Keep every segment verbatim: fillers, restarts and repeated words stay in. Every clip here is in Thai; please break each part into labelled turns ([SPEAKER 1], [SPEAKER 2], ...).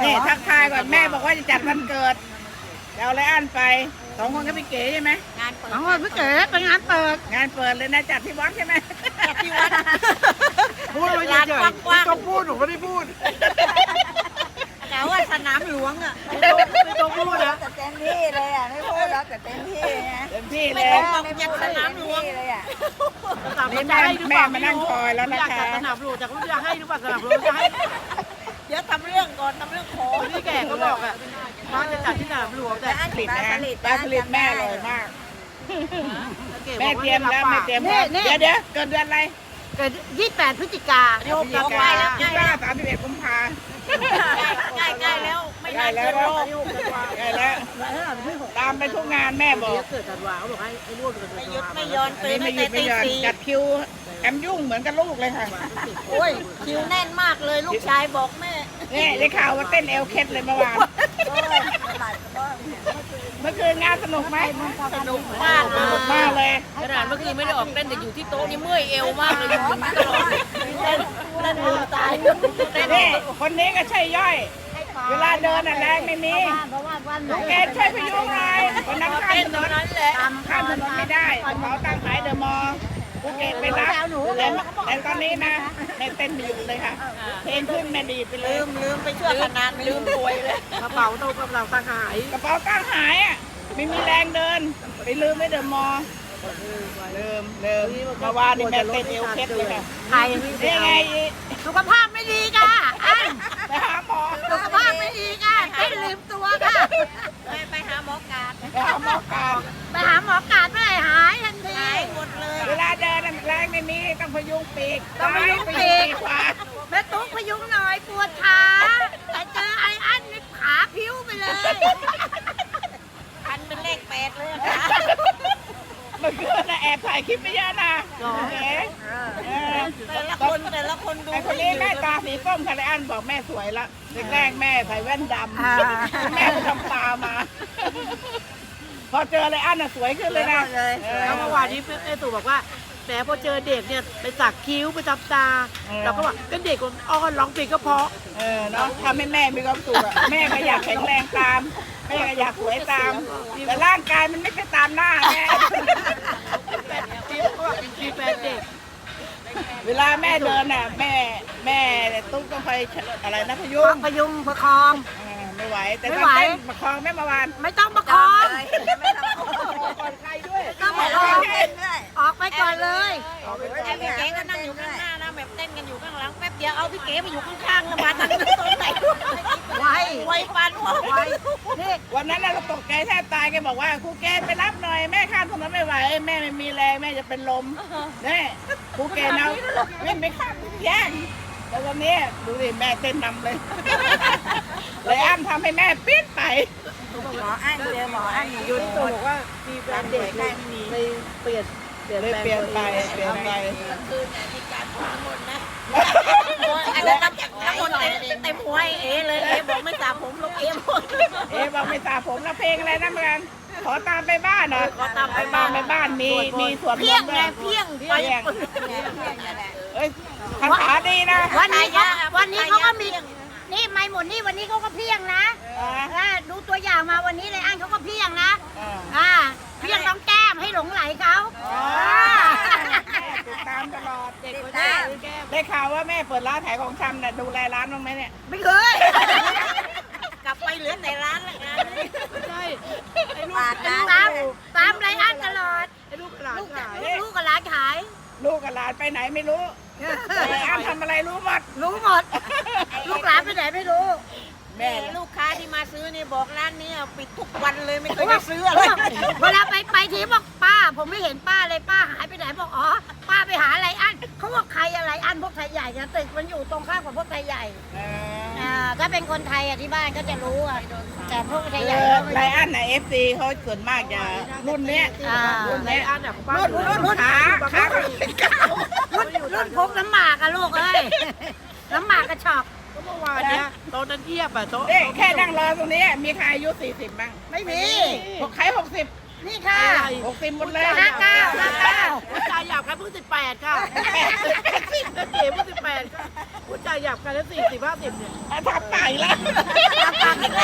[SPEAKER 1] นี่ทักทายก่อนแม่บอกว่าจะจัดวันเกิดเดี๋ยวอะไรอันไปสองคนกับพี่เก๋ใช่ไหม
[SPEAKER 2] งานเปิด
[SPEAKER 3] อ๋อพี่เก๋เป็นงานเปิด
[SPEAKER 1] งานเปิดเลยนะจัดที่วัดใช่ไหม
[SPEAKER 2] จัดที่วัด
[SPEAKER 4] พูดไปเฉยๆไม่ต้องพูดหนูไม่ได้พูด
[SPEAKER 2] แต่ว่าสนามหลวงอ่ะ
[SPEAKER 4] ไม่ต้องพูดนะ
[SPEAKER 5] แต่เต็มที่เลยอ่ะไม่พูดแล้วแต่เต็มที่นะ
[SPEAKER 1] เต็มที่
[SPEAKER 2] ไม่
[SPEAKER 1] เลย
[SPEAKER 2] ต้องบอกจัดสนามหลวง
[SPEAKER 5] เลยอ่ะ
[SPEAKER 1] นี่แม่แม่มานั่งคอยแล้วนะ
[SPEAKER 4] อยากจั
[SPEAKER 1] คะ
[SPEAKER 4] ดสนามหลวงแต่เขาจะให้หรือเปล่าสนามหลวงจะให้
[SPEAKER 2] เดี๋ยวทำเรื่องก่อนทำเรื่องขอ
[SPEAKER 4] พี่แก่ก็บอกอ่ะว่าจะจัดที่สนามหลวงแต่
[SPEAKER 1] ผลิตนะปลาสลิดแม่อร่อยมาก แม่
[SPEAKER 4] แม่
[SPEAKER 1] เตรียมแล้วแม่เตรียมพร้อมเดี๋ยวเดี๋ยวเกิดเดือนอะไร
[SPEAKER 3] เกิดยี่สิบแปดพฤศจิกา
[SPEAKER 1] พฤศจิกายี่สิบเก้าสามสิบเอ็ดกุมภา
[SPEAKER 2] ใกล้ใกล้แล้วไม่
[SPEAKER 1] ใกล้
[SPEAKER 2] นาน
[SPEAKER 1] แล้
[SPEAKER 2] เกิ
[SPEAKER 1] วน
[SPEAKER 2] รอ
[SPEAKER 1] ใกล้แล้วตามไปทุกงานแม่บอก
[SPEAKER 4] เกิดธันวาเขาบอกให้ไอ้ร่วมเกิดธั
[SPEAKER 2] ไม่
[SPEAKER 4] น
[SPEAKER 2] หยุด
[SPEAKER 4] วา
[SPEAKER 2] ไม่ยอน
[SPEAKER 1] อัน
[SPEAKER 2] ตื่น
[SPEAKER 1] นี้
[SPEAKER 2] ตั้
[SPEAKER 1] ไม่
[SPEAKER 2] ง
[SPEAKER 1] หยุดไม่หย่อน
[SPEAKER 2] แต่ตีสี่
[SPEAKER 1] จัดคิวแอมยุ่งเหมือนกับลูกเลยค่ะ
[SPEAKER 2] โอ้ยคิวแน่นมากเลยลูกชายบอกแม่
[SPEAKER 1] นี่ได้ข่าวว่าเต้นเอลเคสเลยเมื่อวาน เมื่อคืนงานสนุกไหม
[SPEAKER 2] สนุกมากเล
[SPEAKER 1] สนุก
[SPEAKER 2] ย
[SPEAKER 1] มากเลย
[SPEAKER 2] ขนาดเมื่อคืนไม่ได้ออกเต้นแต่อยู่ที่โต๊ะนี่เมื่อยเอวมากเลยอยู่ตรงนี้ตลอดเต้นเต้นลืมตายเต้น
[SPEAKER 1] นี่คนนี้ก็ใช่ย่อย เวลาเดินอะแรงไม่มี
[SPEAKER 3] เพราะว่าวันไหน
[SPEAKER 1] ลูกเกดช่วยพยุงหน่อยคนนั้นข้าม
[SPEAKER 2] เต้น
[SPEAKER 1] ถ
[SPEAKER 2] ต
[SPEAKER 1] น
[SPEAKER 2] รง
[SPEAKER 1] น
[SPEAKER 2] นั้นแหละ
[SPEAKER 1] ข้ามถนนไม่ได้กระเป๋าตังค์ขายเดอะมอลล์ภูเก็ตไปรับแต่แต่ตอนนี้นะแม่เต้นไม่หยุดเลยค่ะ เพลงขึ้นแม่ดีดไปเล
[SPEAKER 2] ลื
[SPEAKER 1] ย
[SPEAKER 2] มลืมไปเชื่อขนาดลืมป่วยเลย
[SPEAKER 4] กระเป๋าโตกำลังตาหาย
[SPEAKER 1] กระเป๋าตังค์หายอ่ะไม่มีแรงเดิน ไปลืมไว้เดอะมอลล์ลืมลืมเมื่อวานนี่แม่เต้นเอวเคสเลยค่ะ
[SPEAKER 3] ไทย
[SPEAKER 1] นี่ไง
[SPEAKER 3] สุขภาพไม่ดีค่ะอัน
[SPEAKER 1] ไปหาหมอ
[SPEAKER 3] สุขภาพไม่ดีค่ะเต้นลืมตัวค่ะ
[SPEAKER 2] ไปไปหาหมอกาด
[SPEAKER 1] ไปหาหมอการ
[SPEAKER 3] ไปหาหมอกาดเมื่อไหร่หายทันที
[SPEAKER 2] หายหมดเลย
[SPEAKER 1] เวลาเดินน่ะแรงไม่มีต้องพยุงปีก
[SPEAKER 3] ต้องพยุงปีก
[SPEAKER 1] ขวา
[SPEAKER 3] แม่ตุ๊กพยุงหน่อยปวดขาแต่เจอไอ้อันนี่ขาพิ้วไปเลย
[SPEAKER 2] พันเป็นเลขแปดเลยนะ
[SPEAKER 1] เมื่อคืนน่ะแอบถ่ายคลิปไปเยอะนะเอ๋เออ
[SPEAKER 2] แต่ละคนแต่ละคนดู
[SPEAKER 1] ไอ้คนนี้แม่ตาสีส้มคาริอันบอกแม่สวยละแรกๆแม่ใส่แว่นดำแม่ไปทำตามา พอเจออะไรอันน่ะสวยขึ้นเลยนะเออ
[SPEAKER 4] แล้วเมื่อวานนี้แม่ตู่บอกว่าแหมพอเจอเด็กเนี่ยไปสักคิ้วไปจับตาเราก็บอกก็เด็กคนอ้อนร้องเพลงก็เพราะ
[SPEAKER 1] เออเนาะทำให้แม่มีความสุขอะแม่ก็อยากแข็งแรงตามแม่ก็อยากสวยตาม แต่ร่างกายมันไม่ใช่ตามหน้าแม่
[SPEAKER 4] คิ้วก็แบบเป็นคิ้วแฟนเด็ก
[SPEAKER 1] เวลาแม่เดินน่ะแม่แม่ตุ๊กต้องคอยอะไรนะพยุ
[SPEAKER 3] ต้
[SPEAKER 1] ง
[SPEAKER 3] องพยุงประคอง
[SPEAKER 1] เออไม่ไหวแต่
[SPEAKER 3] ไม่
[SPEAKER 1] ตอ
[SPEAKER 3] ไหว
[SPEAKER 1] นเต้นประคองแม่เมื่อวาน
[SPEAKER 3] ไม่ต้องประคอง
[SPEAKER 1] ก่อนใครด้วย
[SPEAKER 3] ต้องประคองออกไปก่อนเลย
[SPEAKER 2] ไอ้พี่เก๋ก็นั่งอยู่ข้างหน้านะแบบเต้นกันอยู่ข้างหลังแป๊บเดียวเอาพี่เก๋ไปอยู่ข้างๆแล้วมาทางนี้ตรงไหน
[SPEAKER 3] ไว
[SPEAKER 2] ไวปานหัว
[SPEAKER 3] ไวนี่
[SPEAKER 1] วันนั้นน่ะเราตกใจแทบตายแกบอกว่าครูเกณฑ์ไปรับหน่อยแม่ข้ามถนนไม่ไหวแม่ไม่มีแรงแม่จะเป็นลมนี่ครูเกณฑ์เอาวิ่งไปข้ามแย่งแล้ววันนี้ดูดิแม่เต้นนำเลยเลยอ้ำทำให้แม่ปี๊ดไป
[SPEAKER 5] หมออั้นเจอหมออั้นอยู่
[SPEAKER 4] ยุ้ยตู่บอกว่ามีแฟนเด็กเลยไปเปลี่ยนเปลี่ยน
[SPEAKER 1] เลย
[SPEAKER 4] แปลง
[SPEAKER 1] เปลี่ยนไป
[SPEAKER 4] ตัวเอง
[SPEAKER 1] เปลี่ยนไป
[SPEAKER 2] คืนเนี่ยมีการพูดน้ำมนต์นะอันนั้นน้ำน้ำมนต์เต็มเต็มหัวไอ้เอเลยเอบอกไม่สระผมลูกเอบอก
[SPEAKER 1] เอ๊ะบอกไม่ตาผมแล้วเพลงอะไรนะเมื่อกันขอตามไปบ้านเหรอ
[SPEAKER 2] ขอตามไป
[SPEAKER 1] ตา
[SPEAKER 2] บ้าม น
[SPEAKER 1] ไปบ้านมีมีสวดม
[SPEAKER 2] เพี้ย
[SPEAKER 1] น
[SPEAKER 2] ง
[SPEAKER 1] ต์ด้
[SPEAKER 2] ไง
[SPEAKER 1] วย
[SPEAKER 2] เพี้ยงไป
[SPEAKER 1] เพี้ยง
[SPEAKER 2] ปึ้ง
[SPEAKER 1] เอ้ยคาถาดีนะ
[SPEAKER 3] วันนี้เขาวันนี้เขาก็มีนี่ไม่หมดนี่วันนี้เขาก็เพียงนะ
[SPEAKER 1] อ่า
[SPEAKER 3] อ่าดูตัวอย่างมาวันนี้เลยอันเขาก็เพียงนะ
[SPEAKER 1] อ่า
[SPEAKER 3] อ่าเพียงน้องแก้มให้หลงไหลเขา
[SPEAKER 1] อ๋อ
[SPEAKER 3] อ่า
[SPEAKER 1] ติดตามตลอด
[SPEAKER 4] เด็กคน
[SPEAKER 3] อ่า
[SPEAKER 4] นี้แก้ม
[SPEAKER 1] ได้ข่าวว่าแม่เปิดร้านขายของชำเนี่ยดูแลร้านบ้างไหมเนี่ย
[SPEAKER 3] ไม่เคย
[SPEAKER 2] กลับไปเหลือแต่ร้านละงานนี้
[SPEAKER 4] ไม่ใช่ไอ้ลูก
[SPEAKER 5] ปาด
[SPEAKER 4] ไอ้
[SPEAKER 5] ตา
[SPEAKER 4] ลูก
[SPEAKER 3] ตามตามไรอันตลอด
[SPEAKER 4] ไอ้ลูกหลาน
[SPEAKER 3] ลูก
[SPEAKER 4] ขาย
[SPEAKER 3] ลูกกับร้านขาย
[SPEAKER 1] ลูกกับหลานไปไหนไม่รู้แต่อ้ำทำอะไรรู้หมด
[SPEAKER 3] รู้หมด ลูกหลานไปไหนไม่รู้
[SPEAKER 1] แม่
[SPEAKER 2] ลูกค้าที่มาซื้อนี่บอกร้านนี้ปิดทุกวันเลยไม่เคยได้ซื้ออะไร
[SPEAKER 3] เวลาไปไปทีบอกป้า ผมไม่เห็นป้าเลยป้าหายไปไหนบอกอ๋อป้าไปหาอะไรอันเขาบอกใครอะไรอันพวกไทยใหญ่นะตึกมันอยู่ตรงข้ามกับพวกไทยใหญ่
[SPEAKER 1] เออ
[SPEAKER 3] อ่าถ้าเป็นคนไทยอ่ะที่บ้านก็จะรู้อ่ะแต่พวกไทยใหญ่
[SPEAKER 1] คือ
[SPEAKER 3] ก็ไม่
[SPEAKER 1] ไล
[SPEAKER 3] รู้
[SPEAKER 1] อ้อนน่ะเอฟซีเขาส่วนมากจะรุ่นเนี้ย
[SPEAKER 3] อ่า
[SPEAKER 1] รุ่น
[SPEAKER 4] ใน
[SPEAKER 1] เนี้ย
[SPEAKER 4] อันเนี่ยบ้าน
[SPEAKER 1] รุ่นรุ่นรุ่นขาขาเขาเป็นเก้า
[SPEAKER 3] รุ่นรุ่นพกน้ำหมากอะลูกเอ้ย น้ำหมากกระชอก
[SPEAKER 4] ก็เมื่อวานเนี้ยโต๊ะนั้นเทียบอะโต๊ะ
[SPEAKER 1] นี่แค่นั่งรอตรงนี้มีใครอายุสี่สิบบ้าง
[SPEAKER 3] ไม่มี
[SPEAKER 1] พวกใครหกสิบ
[SPEAKER 3] นี่ค่ะ
[SPEAKER 1] หกสิบหมดเลย
[SPEAKER 3] ห้าเก้าห้าเก้า
[SPEAKER 4] ผู้ชายหยาบกันเพิ่งสิบแปดค่ะแปดสิบเก๋เพิ่งสิบแปดค่ะผู้ชายหยาบกันแล้วสี่สิบห้าสิบเนี่ย
[SPEAKER 1] ทับไก่แล้ว
[SPEAKER 3] ต
[SPEAKER 2] อีกแล้ว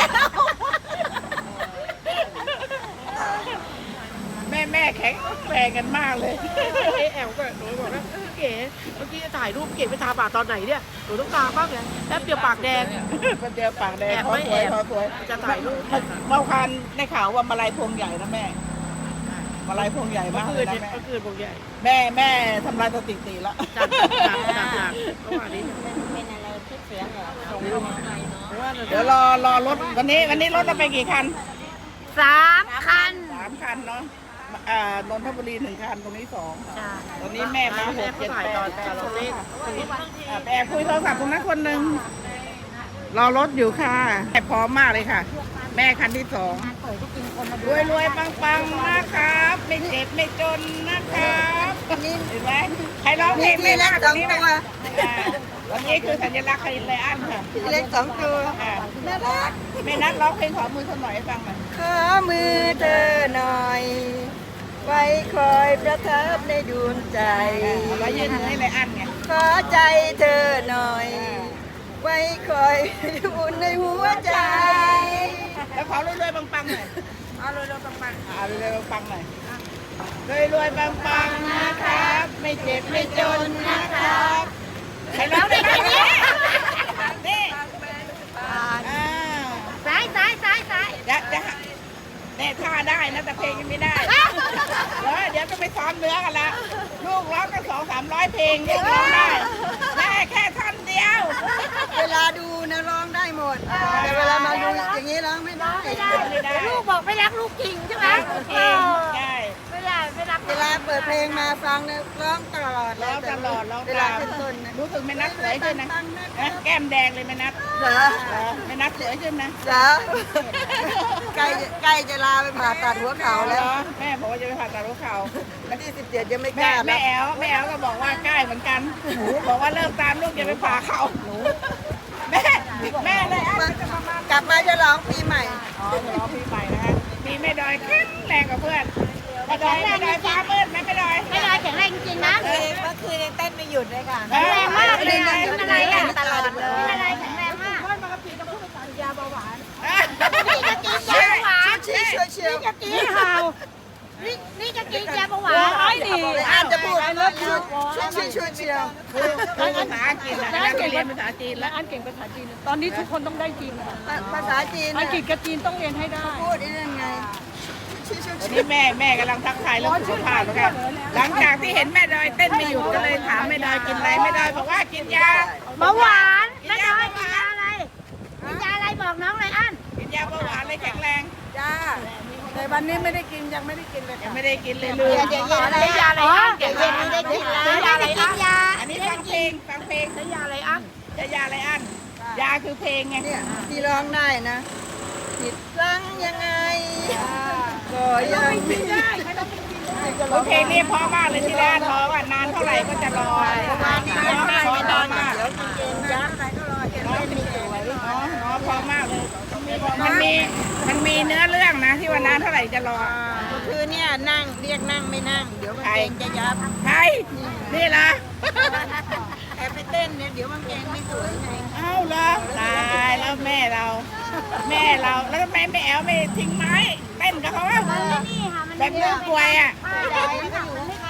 [SPEAKER 1] แม่แม่แข็งแรงกันมากเลย
[SPEAKER 4] เอแอลก็หนูบอกว่าเออเก๋เมื่อกี้จะถ่ายรูปเก๋ไปทาปากตอนไหนเนี่ยหนูต้องตาบ้างไงแป๊บเดียวปากแดง
[SPEAKER 1] คนเดียวปากแดง
[SPEAKER 4] แอบ
[SPEAKER 1] ขอ
[SPEAKER 4] ไม่
[SPEAKER 1] สวย
[SPEAKER 4] แอบ
[SPEAKER 1] ขอสวย
[SPEAKER 4] จะถ่ายรูป
[SPEAKER 1] เมื่อเมื่อวานได้ข่าวว่ามาลายพวงใหญ่นะแม่มาลายพวงใหญ่
[SPEAKER 4] เมื่
[SPEAKER 1] มา
[SPEAKER 4] อก คื
[SPEAKER 1] เล
[SPEAKER 4] น
[SPEAKER 1] ยนะ
[SPEAKER 4] เนี่ย
[SPEAKER 1] แม่
[SPEAKER 4] เมื่อคืนผมใหญ่
[SPEAKER 1] แม่แม่ทำลายสถิติแล้ว
[SPEAKER 4] จัดจัดจัดจัดเมื่อวานนี้
[SPEAKER 2] เป็นอะไรที่เสียงเหรอส่งลงไปเนาะ
[SPEAKER 4] เพราะว่า
[SPEAKER 1] เดี๋ยวรอรอรถวันนี้วันนี้รถเราไปกี่คัน
[SPEAKER 3] สามคัน
[SPEAKER 1] สามคันเนาะอ่านนทบุรีหนึ่งคันตรงนี้สอง
[SPEAKER 3] ใช่
[SPEAKER 1] ตอนนี้แม่มาห
[SPEAKER 4] แม่
[SPEAKER 1] ก
[SPEAKER 4] เขา
[SPEAKER 1] เจ็ด
[SPEAKER 4] ถ่าย
[SPEAKER 1] แป
[SPEAKER 4] ตอน
[SPEAKER 1] ด
[SPEAKER 4] ตอนเราเล่น
[SPEAKER 1] อ่ะไปแอบคุยโทรศัพท์ตรงนั้นคนหนึ่งรอรถอยู่ค่ะแม่พร้อมมากเลยค่ะ แม่คันที่สองรวยรวยปังปังๆนะครับไม่เจ็บไม่จนนะครับเห็นไหมใครร้องเพลงไม่มากกว่านี้นะอ่าวันนี้คือสัญลักษณ์คารินไลอันค่ะ
[SPEAKER 5] พี่เล็กสองตัว
[SPEAKER 1] อ่า
[SPEAKER 5] น่ารัก
[SPEAKER 1] แม่นัดร้องเพลงขอมือสักหน่อยให้ฟังหน่อย
[SPEAKER 5] ขอมือเธอหน่อย ไว้คอยประทับในดวงใจ
[SPEAKER 1] เอาไว้ยืนให้ไลอันไง
[SPEAKER 5] ขอใจเธอหน่อย ไว้คอยอุ่นในหัวใจ
[SPEAKER 1] แล้วขอรวยรวยปังปังๆหน่อยเอารวยรวยปังปังๆเอารวยรวยปังปังๆหน่อยรวยรวยปังปังๆนะครับ ไม่เจ็บไม่จนนะครับใครร้องได้ไหมเนี่ยนี่อ่า
[SPEAKER 3] ซ้ายซ้ายซ้ายซ้าย
[SPEAKER 1] จะจะเนี่ยท่าได้นะแต่เพลงยังไม่ได้เออเดี๋ยวจะไปซ้อมเนื้อกันละลูกร้องกันสองสามร้อยเพลงลูกร้องได้แม่แค่ท่อนเดียว
[SPEAKER 5] เวลาดูนะร้องได้หมด แต่เวลามาดูอย่างนี้ร้องไม่ได้
[SPEAKER 1] ไม่ได้
[SPEAKER 3] ลูกบอกไม่รักลูกจริงใช่ไหม
[SPEAKER 1] เพลงใช่
[SPEAKER 3] ไม่ได้ไม่รัก
[SPEAKER 5] เวลาเปิดเพลงมาฟังเนี่ยร้องตลอด
[SPEAKER 1] ร้องตลอดร้อง
[SPEAKER 5] เวลา
[SPEAKER 1] ตาม
[SPEAKER 5] ขึ้นต้นนะ
[SPEAKER 1] รู้สึกแม่นัดสวยขึ้นนะนะแก้มแดงเลยแม่นัด
[SPEAKER 5] เหรอ
[SPEAKER 1] เออแม่นัดสวยขึ้นนะ
[SPEAKER 5] เหรอใกล้ใกล้จะลาไปผ่าตัดหัวเข่าแล้ว
[SPEAKER 1] แม่บอกว่าจะไปผ่าตัดหัวเข่า
[SPEAKER 5] วันที่สิบเจ็ดยังไม่ก
[SPEAKER 1] แม่
[SPEAKER 5] ล้า
[SPEAKER 1] แม่
[SPEAKER 5] นะ
[SPEAKER 1] แอลแม่แอลก็บอกว่าใกล้เหมือนกันหนูบอกว่าเลิกตามลูกอย่าไปผ่าเข่าหนูแม่แม่เลยอ่ะ
[SPEAKER 5] กลับมาจะร้องปีใหม่
[SPEAKER 1] อ๋อรอพี่ใหม่นะฮะมีแม่ดอยแข็งแรงกับเพื่อนแม่ดอยแม่ดอยฟ้ามืดไหมแม่ดอย
[SPEAKER 3] ไม่ได้แข็งแรงจริงๆนะ
[SPEAKER 2] เมื่อคืนยังเต้นไม่หยุดเลยค่ะ
[SPEAKER 1] แข็ง
[SPEAKER 3] แรงมากเลยอะเป็นอะไรอ่ะ
[SPEAKER 2] ตลอดเลย
[SPEAKER 3] เป็นอะไรแข็งแรงมาก
[SPEAKER 1] ยาเบาหวาน
[SPEAKER 3] นี่จะกินยาเบาหวาน
[SPEAKER 5] ชี้ช่วยเชียว
[SPEAKER 3] จะกินเห่านี่นี่จะกินยาเบาหวาน
[SPEAKER 5] อาจจะพูดช่วยช่วยช่วยเชียว
[SPEAKER 1] คือภาษาอังกฤษนะนักเรียนภาษาจีนแล้ว
[SPEAKER 6] อันเก่งภาษาจีน ตอนนี้ทุกคนต้องได้จีนค่ะ
[SPEAKER 5] ภาษาจีน
[SPEAKER 6] อังกฤษกับจีนต้องเรียนให้ได้
[SPEAKER 5] พูดได้ยังไงชี้ช่วย
[SPEAKER 1] วัน
[SPEAKER 5] เชี
[SPEAKER 1] นี้
[SPEAKER 5] ยว
[SPEAKER 1] แม่แม่กำลังทักทายเรื่องสุขภาพนะครับหลังจากที่เห็นแม่ดอยเต้นไม่หยุดก็เลยถามแม่ดอยกินอะไรแม่ดอยบอกว่ากินยา
[SPEAKER 3] เบาหวานแม่น้อยกินยาอะไรกินยาอะไรบอกน้องเลยอัน
[SPEAKER 1] กินยาเบาหวานเลยแข็งแรง
[SPEAKER 5] จ้าแต่วันนี้ไม่ได้กินยังไม่ได้กินเลย
[SPEAKER 1] ยัง
[SPEAKER 5] ค่ะ
[SPEAKER 1] ไม่ได้กินเลยลืม
[SPEAKER 3] เย็นอะไรยาอะไรอ๋อเย็นนี้ได้กินแล้วยาอะไรกินยา
[SPEAKER 1] อันนี้ฟังเพลงฟังเพลง
[SPEAKER 4] ใช้ยาอะไรอ่ะ
[SPEAKER 1] จะยาอะไรอันยาคือเพลงไง
[SPEAKER 5] เนี่ยที่ร้องได้นะผิดครั้งยังไงก็ยังไม่ได้
[SPEAKER 1] เพลงนี้เพราะมากเลยที่แรกร้องอ่ะนานเท่าไหร่ก็จะรอเพราะว่าร้องเพราะร้องมาก
[SPEAKER 5] เดี๋ยวกินยักษ์ไหนก็รอเห็นไหมมีสวย
[SPEAKER 1] อ๋ออ๋อเพราะมากเลย มันมีมันมีเนื้อเรื่องนะที่ว่านานเท่าไหร่จะรอ
[SPEAKER 5] ก็คือเนี่ยนั่งเรียกนั่งไม่นั่ง เดี๋ยวมันเกงจะยับ
[SPEAKER 1] ใครนี่เหรอ
[SPEAKER 5] แอบไปเต้นเนี่ยเดี๋ยวมันเกงไม่สวยไง
[SPEAKER 1] เอ้าเหรอตายแล้วแม่เรา แม่เราแล้วทำไมแม่แอลไม่ทิ้งไม้เต้นกับเขาอ่ะ
[SPEAKER 3] นี่ค่ะมัน
[SPEAKER 1] แบบเรื่องกลวยอ่ะ
[SPEAKER 3] ป้าได้ไม่ได้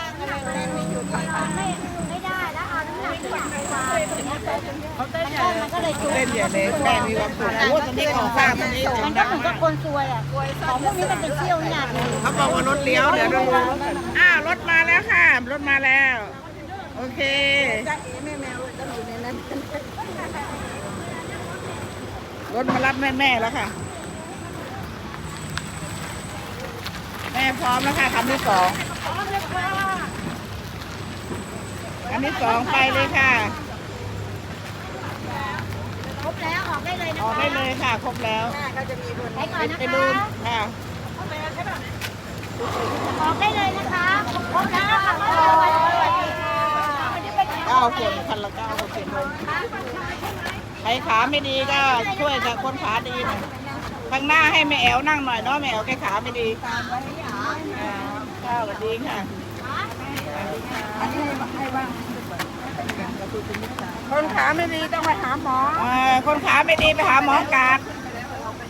[SPEAKER 3] ไม่ไม่ได้แล้วเอาน้ำหนักอย่างไปวางเขาเต้นมันก็เลยจุก
[SPEAKER 1] เต้นอย่างนี้แม่มีความสุขโอ้ตอนนี้ของฝากตอนนี้
[SPEAKER 3] มันก็เหมือนกับคนซวยอ่ะของพวกนี้มันเป็นเที่ยวเนี่ย
[SPEAKER 1] เขาบอกว่ารถเลี้ยวเดี๋ยวเราดูอ้าวรถมาแล้วค่ะรถมาแล้ว โอเค
[SPEAKER 5] จ้าเอ๋แม่แมวต้องอยู่ในนั้น
[SPEAKER 1] รถมารับแม่แม่ๆแล้วค่ะ แม่พร้อมแล้วค่ะคำที่สองคำที่สองไปเลยค่ะ
[SPEAKER 3] ครบแล้วออกได้เลยนะ
[SPEAKER 1] ออกได้เลยค่ะ ครบแล้ว
[SPEAKER 5] หน้าเขาจะมีคน
[SPEAKER 3] ไปก่อนนะ
[SPEAKER 1] ไป
[SPEAKER 3] คะ
[SPEAKER 1] ดูค่ะ
[SPEAKER 3] ออกได้เลยนะคะครบแล้วค่ะ
[SPEAKER 1] เก้าคนคันละเก้าคนเปลี่ยนลงใครขาไม่ดีก็ช่วยกับคนขาดีหน่อยข้างหน้าให้แม่แอวนั่งหน่อยเนาะแม่แอวแกขาไม่ดีอ่าข้าวสวัสดีค่ะ
[SPEAKER 5] คนขาไม่ดีต้องไปหาหมอ
[SPEAKER 1] อ่าคนขาไม่ดีไปหาหมอการด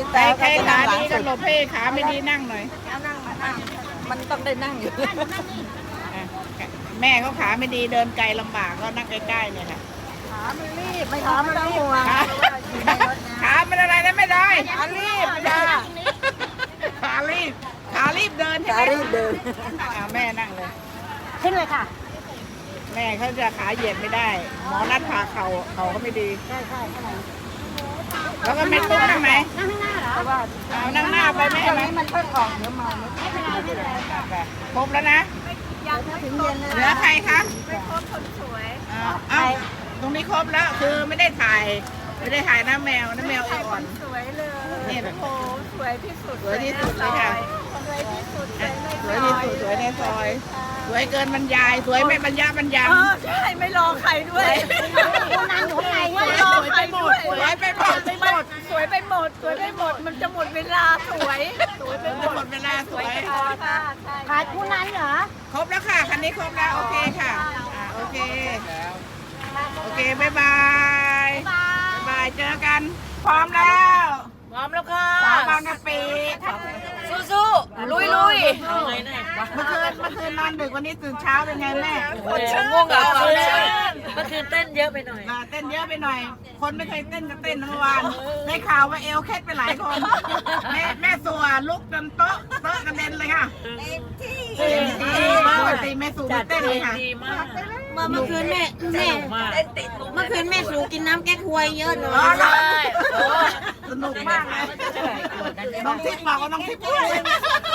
[SPEAKER 1] ใครใครขาดีก็หลบให้ขาไม่ดีนั่งหน่อย
[SPEAKER 5] มันต้องได้นั่งอยู่
[SPEAKER 1] อ่ะแม่เขาขาไม่ดีเดินไกลลำบากก็นั่งใกล้ๆเนี่ยค่ะ
[SPEAKER 5] ขาไม่รีบไม่ขาไม่ต้องห่วง
[SPEAKER 1] ขาขาเป็นอะไรนะไม่ได้ขารีบจ้าขารีบขารีบเดินใช่ไหม
[SPEAKER 5] ขารีบเดิน
[SPEAKER 1] อ่าแม่นั่งเลย
[SPEAKER 3] ขึ้นเลยค่ะ
[SPEAKER 1] แม่เขาจะขาเหยียดไม่ได้ หมอนัดผ่าเข่าเข่าก็ไม่ดี
[SPEAKER 3] ใช่ใช่ใช่
[SPEAKER 1] แล้วก็ไม่ตุ้มนั่งไหน
[SPEAKER 3] นั่งข้างหน้าเหรอ
[SPEAKER 1] เอานั่งหน้าไปแม่ไหม
[SPEAKER 5] มันเพิ่งออกเดี๋ยวมา
[SPEAKER 3] ไม่เป็นไรไม่เป็นไร
[SPEAKER 1] ครบแล้วนะ
[SPEAKER 5] ถึงเย็นเลย
[SPEAKER 1] เหลือใครคะไม่ครบคนสวยเอาตรงนี้ครบแล้วคือไม่ได้ถ่าย ไม่ได้ถ่ายน้าแมวน้าแมวเอวอ่อน
[SPEAKER 2] สวยเลย
[SPEAKER 1] นี่
[SPEAKER 2] โอ้สวยที่สุด
[SPEAKER 1] สวยที่สุดเลยค่ะ
[SPEAKER 2] สวยที่สุด
[SPEAKER 1] อ่ะสวยที่สุดสวยในซอย สวยเกินบรรยาย สวยไม่บรรยาบรรยัง
[SPEAKER 2] เออใช่ไม่รอใครด้วย
[SPEAKER 3] คุณนันอยู่ข้างใน
[SPEAKER 2] ไม่
[SPEAKER 3] ใช่
[SPEAKER 2] รอ
[SPEAKER 3] ไหม
[SPEAKER 2] ใครด้วย
[SPEAKER 1] สวยไปหมด
[SPEAKER 2] ไปหมดสวยไปหมดสวยไปหมดมันจะหมดเวลาสวยสวยไปหม
[SPEAKER 1] จะ
[SPEAKER 2] ด
[SPEAKER 1] หมดเวลาสวย
[SPEAKER 2] ค่ะค่ะ
[SPEAKER 3] ขายคุณนันเหรอ
[SPEAKER 1] ครบแล้วค่ะ คันนี้ครบแล้ว โอเคค่ะ อ่าโอเค โอเค บ๊ายบาย บ๊ายบาย เจอกัน พร้อมแล้ว
[SPEAKER 2] พร้อมแล้วค่ะ
[SPEAKER 1] สาวบางกะปิ
[SPEAKER 2] สู้ๆลุยลุย
[SPEAKER 1] เมื่อคืนเมื่อคืนนอนดึกวันนี้ตื่นเช้าเป็นไงแม่
[SPEAKER 2] ง่วงเหรอเมื่อคืนเต้นเยอะไปหน่อย
[SPEAKER 1] อ่าเต้นเยอะไปหน่อย คนไม่เคยเต้นก็เต้นเมื่อวานได้ข่าวว่าเอวเคล็ดไปหลายคน แม่แม่สัวลุกจนโต๊ะโต๊ะกระเด็นเลยค่ะเต็มที่ปกติแม่สู่ไม่เต้นเลยค่ะ
[SPEAKER 2] เมื่อเมื่อคืนแม่แม่เมื่อคืนแม่สูกินน้ำแก้ควยเยอะหน่อ
[SPEAKER 1] อ๋อเหรอ
[SPEAKER 2] ย
[SPEAKER 1] สนุกมากเลยน้องทิพย์บอกว่าน้องทิพย์พูดเลย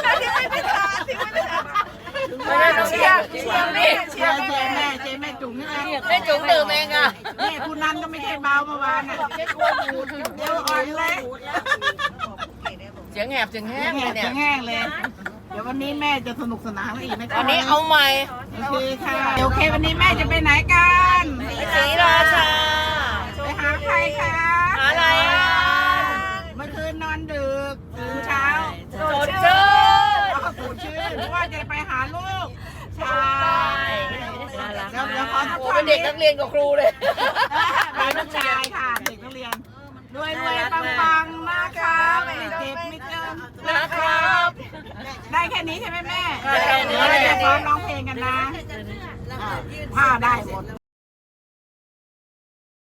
[SPEAKER 1] เชียร์เชียร์แม่เชียร์เชียร์แม่เชียร์แม่จุ๋มนี่แหละ
[SPEAKER 2] แม่จุ๋มดื่มเองอ่ะ
[SPEAKER 1] นี่คุณนันก็ไม่ใช่เบาเมื่อวานน่ะเดี๋ยวอ่อนเลย
[SPEAKER 2] เสียงแหบเสียงแห้
[SPEAKER 1] แห้
[SPEAKER 2] ง
[SPEAKER 1] ง
[SPEAKER 2] เลยเนี่ย
[SPEAKER 1] แห้งเลย เดี๋ยววันนี้แม่จะสนุกสนานอีกนะ
[SPEAKER 2] วันนี้เอาใหม่
[SPEAKER 1] โอเคค่ะโอเควันนี้แม่จะไปไหนกัน
[SPEAKER 2] ศรีราชา
[SPEAKER 1] ไปหาใครคะ
[SPEAKER 2] หาอะไรอ่ะ
[SPEAKER 1] เมื่อคืนนอนดึกตื่นเช้า
[SPEAKER 2] สดชื่น
[SPEAKER 1] อ๋อสดชื่นเพราะว่าจะไปหาลูกชายเดี๋ยวเดี๋ยวขอทุก
[SPEAKER 2] โอ้
[SPEAKER 1] ท่า
[SPEAKER 2] เป็น นเด็กนักเรียนกับครูเลย
[SPEAKER 1] เป็นนักชายค่ะเด็กนักเรียนรวยรวยปังปังๆนะคะไม่เจ็บไม่จน
[SPEAKER 2] นะครับ
[SPEAKER 1] ได้แค่นี้ใช่ไหมแม่
[SPEAKER 2] ได้แค่นี้
[SPEAKER 1] เดี๋ยวเราจะซ้อมร้องเพลงกันนะอ่าถ้าได้หมด